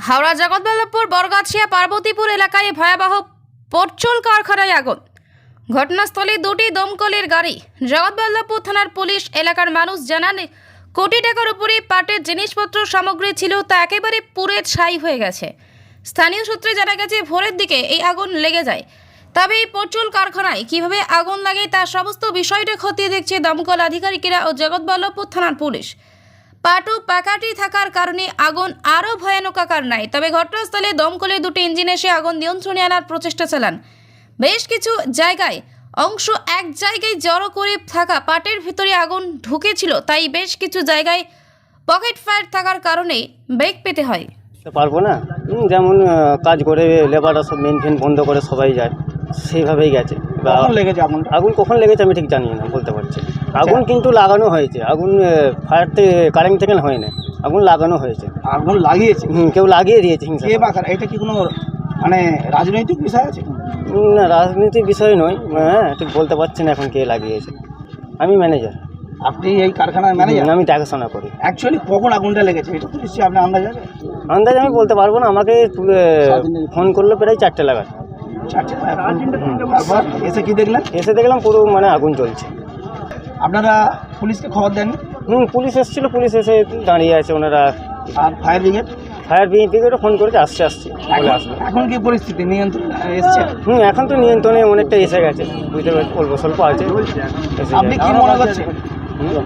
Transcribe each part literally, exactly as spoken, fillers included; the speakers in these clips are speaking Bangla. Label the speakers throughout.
Speaker 1: হাওড়া জগৎবল্লভপুর বরগাছিয়া পার্বতীপুর এলাকায় ভয়াবহ পরচুল কারখানায় আগুন। ঘটনাস্থলে দুটি দমকলের গাড়ি। জগৎবল্লভপুর থানার পুলিশ এলাকার মানুষ জানান, কোটি টাকার উপরে পাটের জিনিসপত্র সামগ্রী ছিল, তা একেবারে পুড়ে ছাই হয়ে গেছে। স্থানীয় সূত্রে জানা গেছে, ভোরের দিকে এই আগুন লেগে যায়। তবে এই পরচুল কারখানায় কিভাবে আগুন লাগে তার সমস্ত বিষয়টা খতিয়ে দেখছে দমকল আধিকারিকেরা ও জগৎবল্লভপুর থানার পুলিশ। পাট ও প্যাকাটি থাকার কারণে আগুন আরও ভয়ানক আকার নেয়। তবে ঘটনাস্থলে দমকলের দুটি ইঞ্জিন এসে আগুন নিয়ন্ত্রণে আনার প্রচেষ্টা চালান। বেশ কিছু জায়গায় অংশ এক জায়গায় জড়ো করে থাকা পাটের ভিতরে আগুন ঢুকেছিল, তাই বেশ কিছু জায়গায় পকেট ফায়ার থাকার কারণে বেগ পেতে হয়।
Speaker 2: পারবো না, যেমন কাজ করে লেবাররা সব মেন ফেন বন্ধ করে সবাই যায়, সেইভাবেই গেছে।
Speaker 3: কখন লেগেছে আগুন?
Speaker 2: আগুন কখন লেগেছে আমি ঠিক জানি না, বলতে পারছি। আগুন কিন্তু লাগানো হয়েছে, আগুন ফায়ার থেকে কারেন্ট থেকে হয় না, আগুন লাগানো হয়েছে।
Speaker 3: আগুন লাগিয়েছে
Speaker 2: হুম, কেউ লাগিয়ে দিয়েছে হিংসা
Speaker 3: কে
Speaker 2: করে।
Speaker 3: বা কারা? এটা কি কোনো মানে রাজনৈতিক বিষয় আছে?
Speaker 2: না, রাজনীতির বিষয় নয়, হ্যাঁ ঠিক বলতে পারছি না এখন কে লাগিয়েছে। আমি ম্যানেজার,
Speaker 3: আপনি এই কারখানার ম্যানেজার?
Speaker 2: আমি দেখাশোনা করি।
Speaker 3: অ্যাকচুয়ালি কখন আগুনটা লেগেছে এটা তো নিশ্চয়ই আপনি আন্দাজ আছে?
Speaker 2: আন্দাজ আমি বলতে পারবো না, আমাকে ফোন করলো প্রায় চারটে লাগার।
Speaker 3: চারটে তারপর এসে কি দেখলেন?
Speaker 2: এসে দেখলাম পুরো মানে আগুন চলছে।
Speaker 3: আপনারা পুলিশকে খবর দেন?
Speaker 2: হুম, পুলিশ এসেছিলো, পুলিশ এসে দাঁড়িয়ে আছে ওনারা।
Speaker 3: আর ফায়ার ব্রিগেড?
Speaker 2: ফায়ার ব্রিগেডও ফোন করেছে, আসছে আসছে বলে আসলো।
Speaker 3: এখন কি পরিস্থিতি নিয়ন্ত্রণ এসছে?
Speaker 2: হুম, এখন তো নিয়ন্ত্রণে অনেকটা এসে গেছে, বুঝতে পারছি, অল্প স্বল্প আছে। এসে
Speaker 3: আপনি
Speaker 2: গেছে।
Speaker 3: কি মনে করছেন?
Speaker 2: হুম,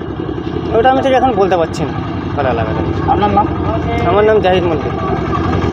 Speaker 2: ওটা আমি ঠিক এখন বলতে পারছি না কারা লাগাতে।
Speaker 3: আপনার নাম?
Speaker 2: আমার নাম জাহিদ মল্লিক।